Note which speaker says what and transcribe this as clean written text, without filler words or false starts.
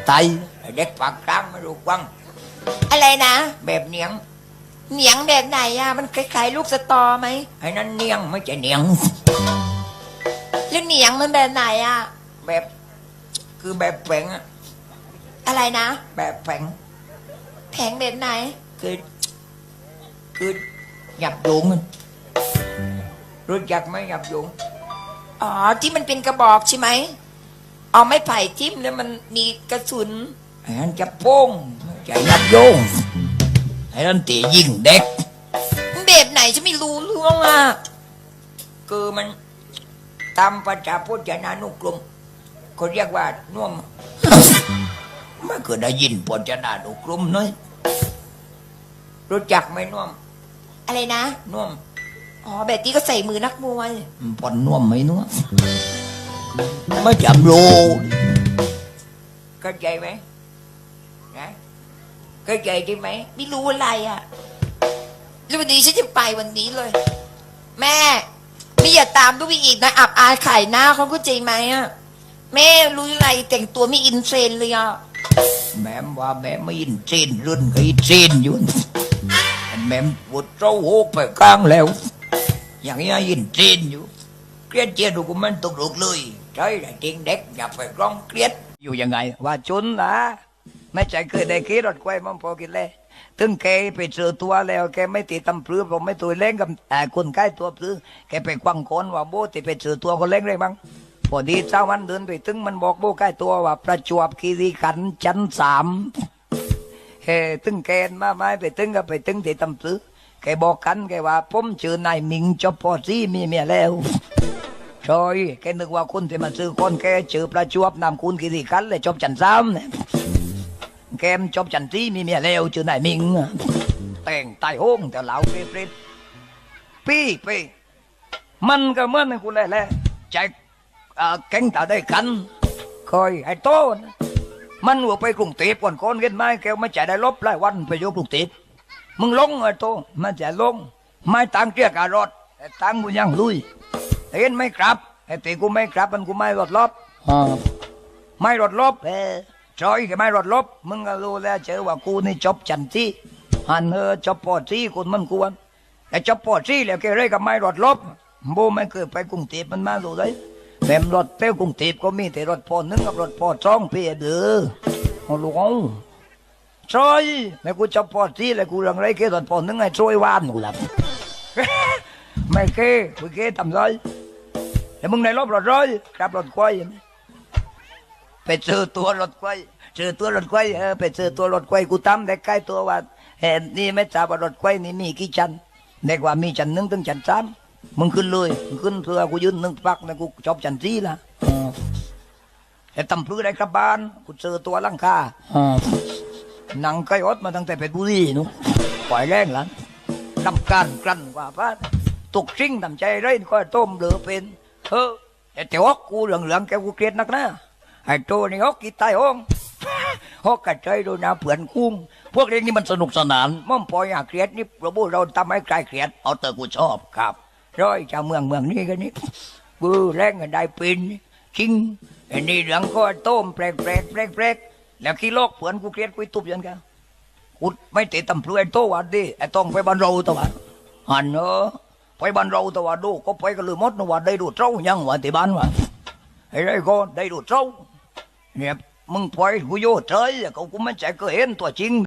Speaker 1: ไตเด็กปากกลางไม่รู้กว้าง
Speaker 2: อะไรนะ
Speaker 1: แบบเนียง
Speaker 2: เหนียงแบบไหนอะมันคล้ายๆลูกสตอไหม
Speaker 1: ไอ้นั้นเนียงไม่ใช่เนียง
Speaker 2: แล้วเหนียงมันแบบไหนอะ
Speaker 1: แบบคือแบบแผงอะ
Speaker 2: อะไรนะ
Speaker 1: แบบแผง
Speaker 2: แผงแบบไหน
Speaker 1: คือคือหยับโยงอะรู้จักไหมหยับโยง
Speaker 2: อ๋อที่มันเป็นกระบอกใช่ไหมเอาไม้ไผ่จิ้มแล้วมันมีกระสุน
Speaker 1: ไอ้นั้นจะโป้งไม่ใช่หยับโยงไอ้นั้นตียิงเด็ก
Speaker 2: มันแบบไหนฉันไม่รู้เรื่องอะ
Speaker 1: คือมันตามประชาพจนานุกรมเขาเรียกว่าน่วม ไม่เคยได้ยินพจนานุกรมน้อยรู้จักไหมน่วม
Speaker 2: อะไรนะ
Speaker 1: น่วม
Speaker 2: อ๋อแบบที่ก็ใส่มือนักมวย
Speaker 1: ปอนน่วมไหมน่วมไม่จำรู้เข้าใจไหมนะเข้าใจใช่ไหม
Speaker 2: ไม่รู้อะไรอะแล้ววันนี้ฉันจะไปวันนี้เลย แม่ไม่อย่าตามลูกไปอีกนะอับอายขายหน้าเขาก็ใจไหมอะแม่รู้อะไรแต่งตัวไม่อินเทรนด์เลยอะ
Speaker 1: แม่ว่าแม่ไม่ยินเจนรุ่นก็ยินเจนอยู่แม่ปวดเจ้าโหกไปกลางแล้ว อย่างนี้ยินเจนอยู่เครียดเจียดูกูมันตกลุกเลยใช่แต่จริงเด็กอย่าไปร้องเครียดอยู่ยังไง ว่าจนละไม่ใจเคยได้ขี่รถควายมันพอกินเลยถึงแกไปเจอตัวแล้วแกไม่ติดตำปลือผมไม่ตัวเล่งกับคนใกล้ตัวปลือแกไปควังคนว่าโบติไปเจอตัวคนเล่งเลยบ้างพอดีเจ้ามันเดินไปถึงมันบอกโบใกล้ตัวว่าประจวบคีรีขันธ์ชั้น3เฮ้ตึงแกนมาไม่ไปตึงก็ไปตึงที่ตำปลือแกบอกกันแกว่าผมเจอนายมิงจบพอซี่มีเมียแล้วใช่แกนึกว่าคนที่มาซื้อคนแกเจอประจวบนำคุณคีรีขันธ์เลยจบชั้น3เนี่ยแกมจบชั้น4มีเมียแล้วเจอนายมิงแต่งตายโห้งแต่เหล่าเปรตปี้มันก็เหมือนคุณเลยแหละใจแก๊งตาได้กันคอยไอ้โตนะมันว่าไปกรุงเทพก่อนคนเห็นไหมแกไม่จ่ายได้ลบหลายวันไปอยู่กรุงเทพมึงลงไอ้โตมันจะลงไม่ตังเกียร์การรถแต่ตังกูยังลุยเห็นไหมครับไอ้ตีกูไม่ครับมันกูไม่รถลบไม่รถลบจอยก็ไม่รถลบมึงก็รู้แล้วเจอว่ากูนี่จบจันทีหันจบปอที่คนมันควรแต่จบปอที่แล้วแกเร่กับไม่รถลบโบไม่เคยไปกรุงเทพมันมาดูเลยแม่รถเต้ากรุงเทพก็มีแต่รถพอ1กับรถพอ2พี่เด้อโอ้ลูกซอยแล้วกูจบปอที่แล้วกูเรื่องไรแค่รถพอ1ไอ้ซอยวานกูหลับ ไม่เคยกูเคยทำไรแล้วมึงในรถรถร้อยครับรถควายไปเจอตัวรถควายเจอตัวรถควายไปเจอตัวรถควายกูตั้มได้ใกล้ตัวว่าเห็นนี่ไม่ทราบว่ารถควายนี่มีกี่ชั้นเด็กว่ามีชั้น1ถึงชั้น3มึงขึ้นเลยมึงขึ้นเพื่อกูยืน1พักแล้วกูจบชั้น4ละแต่ตำพื้นได้กลับบ้านกูเจอตัวลังคาหนังไก่อดมาตั้งแต่เพชรบุรีนู้นปล่อยแรงหลังทำการกลั่นกว่าพาตกซิ่งทำใจไรก็ต้มเหลือเป็นแต่ฮอกกูเหลืองแกกูเกลียดนักนะไอ้โตนี่ฮอกกี่ตายห้องฮอกกระใจโดนน้ำเผื่อนคุ้งพวกเรื่องนี้มันสนุกสนานม่อมปล่อยอยากเครียดนี่ประบุเราทำให้ใครเครียดเอาแต่กูชอบครับร้อยจากเมืองนี้กันนี่กูแรงกันได้เป็นจริงไอ้นี่เรื่องก็ต้มแปลกแล้วขี้โลกเผื่อนกูเครียดกูตุบยันกันกูไม่ติดตำพลุไอ้โตวันดิไอ้ต้องไปบ้านเราตัวหันไปบ้านเราตัวดูก็ไปกันเลยมดนะว่าได้ดูเจ้ายังว่าที่บ้านว่าไอ้ไรก็ได้ดูเจ้าเนี่ยมึงปล่อยกูโย่เฉยกูไม่ใจก็เห็นตัวจริง